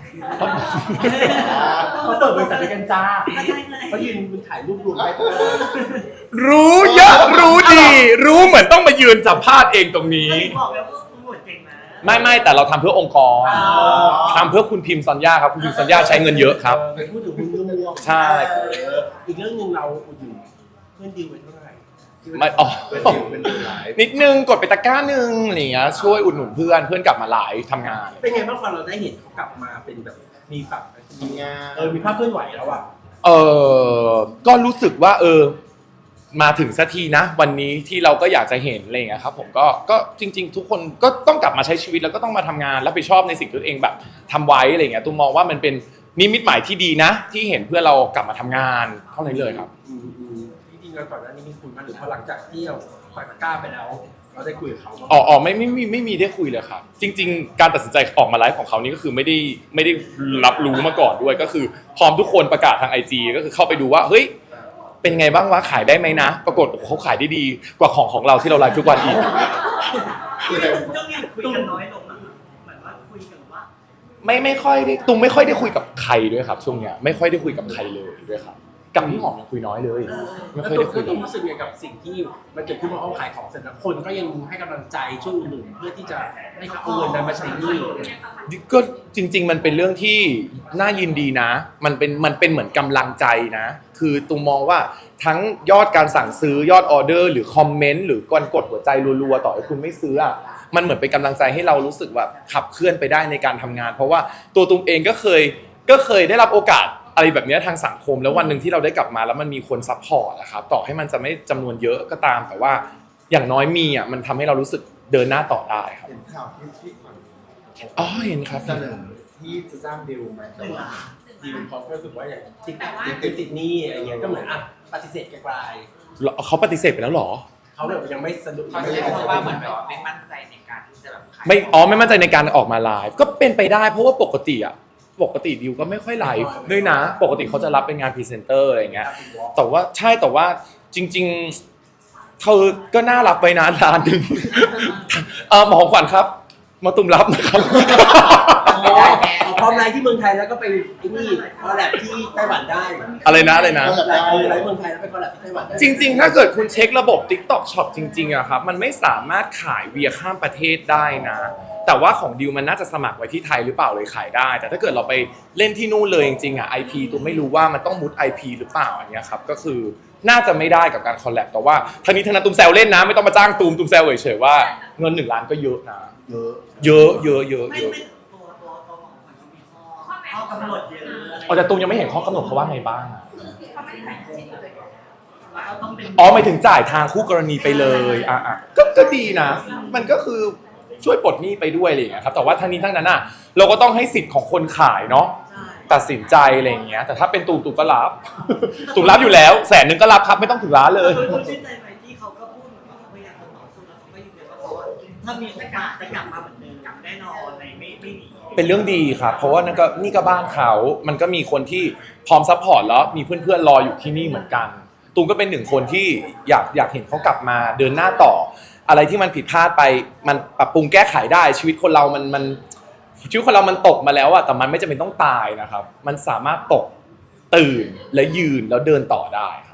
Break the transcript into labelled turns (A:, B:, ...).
A: เขาเปิดบริษัทด้วยกันจ้าเขายืนถ่ายรูปรวมไป
B: รู้เยอะรู้ดีรู้เหมือนต้องมายืนสัมภาษณ์เองตรงนี้
C: บอกแล้วว่าคุณหมดเก่งนะ
B: ไม่แต่เราทำเพื่อองค์กรทำเพื่อคุณพิมพ์ซอนย่าครับคุณพิมพ์ซอนย่าใช้เงินเยอะครับ
A: ไปพูดถึงคุณเรื่อง
B: ใช่
A: อีกเรื่องนึงเราอยู่เพื่อนดีลไว้เท่าไหร่
B: ไม่นิดนึงกดไปตะกร้านึงอะไรเงี้ยช่วยอุดหนุนเพื่อนกลับมาไลฟ์ทำงาน
A: เป็นไงบ้างพอเราได้เห็นเขากลับมาเป็นแบบมีแบบมีงานมีภาพเคลื่อนไหวแล้วอ่ะ
B: ก็รู้สึกว่ามาถึงสักทีนะวันนี้ที่เราก็อยากจะเห็นอะไรเงี้ยครับผมก็จริงๆทุกคนก็ต้องกลับมาใช้ชีวิตแล้วก็ต้องมาทำงานรับผิดชอบในสิ่งที่ตัวเองแบบทำไว้อะไรเงี้ยตุ้มมองว่ามันเป็นนิมิตหมายที่ดีนะที่เห็นเพื่อเรากลับมาทำงานเท่านั้นเลยครับ
A: จริงๆเราก่อนหน้านี้มีคุยมาหรือพอหลังจากที่เราปล่อยตะกร้าไปแล้วเราได้คุยกับเขา
B: ไม่มีได้คุยเลยครับจริงๆการตัดสินใจออกมาไลฟ์ของเขานี่ก็คือไม่ได้รับรู้มาก่อนด้วยก็คือพร้อมทุกคนประกาศทาง IG ก็คือเข้าไปดูว่าเฮ้ยเป็นไงบ้างวะขายได้ไหมนะปรากฏเขาขายได้ดีกว่าของเราที่เราไลฟ์ทุกวันอีก
C: ช่วงนี้คุยกันน้อยลงนะเหมือนว่าคุยกันว่า
B: ไม่ค่อยได้ตุ้มไม่ค่อยได้คุยกับใครด้วยครับช่วงเนี้ยไม่ค่อยได้คุยกับใครเลยด้วยครับกับพี่หอมยังคุยน้อยเลยไม่ค่อยได้คุย
A: ตุ้มรู้สึกยังไงกับสิ่งที่มันเกิดขึ้นมาเขาขายของเสร็จแล้วคนก็ยังให้กำลังใจช่วยอุดหนุนเพื่อที่จะให้เขาเอาเงินนั้นมาใช้หนี้
B: ก็จริงๆมันเป็นเรื่องที่น่ายินดีนะมันเป็นเหมือนกำลังใจนะคือตุ้มมองว่าทั้งยอดการสั่งซื้อยอดออเดอร์หรือคอมเมนต์หรือการกดหัวใจรัวๆต่อให้คุณไม่ซื้ออ่ะมันเหมือนเป็นกำลังใจให้เรารู้สึกแบบขับเคลื่อนไปได้ในการทำงานเพราะว่าตัวตุ้มเองก็เคยได้รับโอกาสอะไรแบบนี้ทางสังคมแล้ววันหนึ่งที่เราได้กลับมาแล้วมันมีคนซัพพอร์ตนะครับต่อให้มันจะไม่จำนวนเยอะก็ตามแต่ว่าอย่างน้อยมีอ่ะมันทำให้เรารู้สึกเดินหน้าต่อได้ครับ
D: เห็นข่าวที่
B: เห็นครับ
D: เสนอที่จะจ้างดิวไหมแต่ว่า
A: ดิวเขาก็รู้สึกว่าอย่างติดหนี้อะไรเงี้ยก็เหมือนปฏิเสธไกล
B: เขาปฏิเสธไปแล้วหรอ
A: เขาแบบยังไม่สะดวก
C: เขาใช้คำว่าเหมือนแบบไม่มั่นใจในการที่จะแบบ
B: ไม่มั่นใจในการออกมาไลฟ์ก็เป็นไปได้เพราะว่าปกติดิวก็ไม่ค่อยไลฟ์ด้วยนะปกติเขาจะรับเป็นงานพรีเซนเตอร์อะไรอย่างเงี้ยแต่ว่าจริงๆเธอก็น่ารับไปนะร้านนึงหมอขวัญครับมาตุ่มรับนะครับ
A: พร้อมไลฟ์ที่เมืองไทยแล้วก็ไปนี่คอลแลบที่ไต้หวันได้
B: อะไรนะ
A: ไลฟ์เมืองไทยแล้วไปคอลแลบที่ไต้หวันได้
B: จริงๆถ้าเกิดคุณเช็คระบบ TikTok Shop จริงๆอะครับมันไม่สามารถขายเวียข้ามประเทศได้นะแต่ว่าของดิวมันน่าจะสมัครไว้ที่ไทยหรือเปล่าเลยขายได้แต่ถ้าเกิดเราไปเล่นที่นู่นเลยจริงๆอะ IP ตัวไม่รู้ว่ามันต้องมุด IP หรือเปล่าอย่างเงี้ยครับก็คือน่าจะไม่ได้กับการคอลแลบแต่ว่าทั้งนี้ทั้งนั้นตุ้มแซวเล่นนะไม่ต้องมาจ้างตุ้มแซวเฉยๆว่าเงิน1 ล้านก็เยอะนะเยอะ
C: ตัวของมันมีข้อกำหนดเยอะ
B: แต่ตุ้มยังไม่เห็นข้อกำหนดเขาว่าไงบ้าง
C: อ๋
B: อหมายถึงจ่ายทางคู่กรณีไปเลยก็ดีนะมันก็คือช่วยปลดหนี้ไปด้วยอะไรอย่างเงี้ยครับแต่ว่าทั้งนี้ทั้งนั้นเราก็ต้องให้สิทธิ์ของคนขายเนาะตัดสินใจอะไรอย่างเงี้ยแต่ถ้าเป็นตูมก็รับตูมรับอยู่แล้ว100,000ก็รับครับไม่ต้องถึงล้านเลย
C: คุณชื่นใจไหมที่เขาก็พูดเหมือนว่าเขาพยายามต่อสู้แล้วเขาก็ยืนยันว่าเขาถ้ามีโอกาสจะกลับมาเหมือนเดิมกลับแน่นอนไม่ดี
B: เป็นเรื่องดีครับเพราะว่านี่ก็บ้านเขามันก็มีคนที่พร้อมซัพพอร์ตแล้วมีเพื่อนๆรออยู่ที่นี่เหมือนกันตูมก็เป็น1 คนที่อยากเห็นเขากลับมาเดินหน้าต่ออะไรที่มันผิดพลาดไปมันปรับปรุงแก้ไขได้ชีวิตคนเรามันตกมาแล้วอะแต่มันไม่จำเป็นต้องตายนะครับมันสามารถตกตื่นและยืนแล้วเดินต่อได้